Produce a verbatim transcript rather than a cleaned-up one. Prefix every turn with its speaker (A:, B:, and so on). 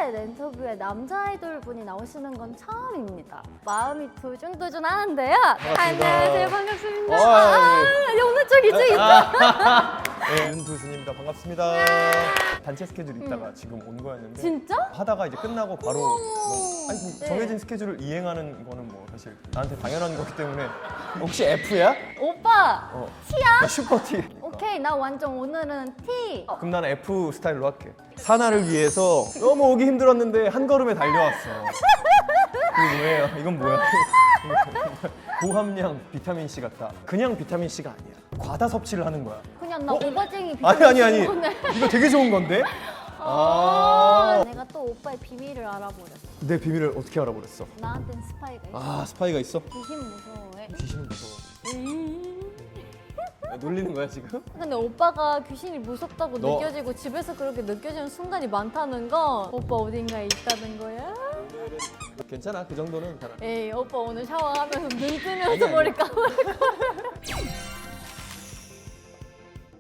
A: 스타일 인터뷰에 남자 아이돌 분이 나오시는 건 처음입니다. 마음이 두근두근하는데요. 안녕하세요, 반갑습니다.
B: 어,
A: 아,
B: 예.
A: 오늘 쪽 이쪽 이쪽.
B: 네, 윤두준입니다. 반갑습니다. 단체 스케줄 있다가 지금 온 거였는데
A: 진짜?
B: 하다가 이제 끝나고 바로 뭐, 아니, 뭐
A: 네.
B: 정해진 스케줄을 이행하는 거는 뭐 사실 나한테 당연한 거기 때문에 혹시 F야?
A: 오빠
B: 어.
A: T야?
B: 나 슈퍼 T.
A: 오케이, 나 완전 오늘은 T. 어,
B: 그럼 나는 F 스타일로 할게. 사나를 위해서 너무 오기 힘들었는데 한 걸음에 달려왔어. 이거 뭐예요? 이건 뭐야? 고함량 비타민 C 같다. 그냥 비타민 C가 아니야. 과다 섭취를 하는 거야.
A: 그냥 나
B: 어?
A: 오버쟁이
B: 아니 아니 아니.
A: 거네.
B: 이거 되게 좋은 건데?
A: 아,
B: 아.
A: 내가 또 오빠의 비밀을 알아버렸어.
B: 내 비밀을 어떻게 알아버렸어?
A: 나한텐 스파이가 있어.
B: 아 스파이가 있어?
A: 귀신 무서워해.
B: 귀신은 무서워.
A: 음.
B: 야, 놀리는 거야 지금?
A: 근데 오빠가 귀신이 무섭다고
B: 너-
A: 느껴지고 집에서 그렇게 느껴지는 순간이 많다는 건 오빠 어딘가에 있다는 거야?
B: 괜찮아 그 정도는 잘.
A: 에이, 오빠 오늘 샤워하면서 눈 뜨면서
B: 아니, 아니.
A: 머리 감을 거야.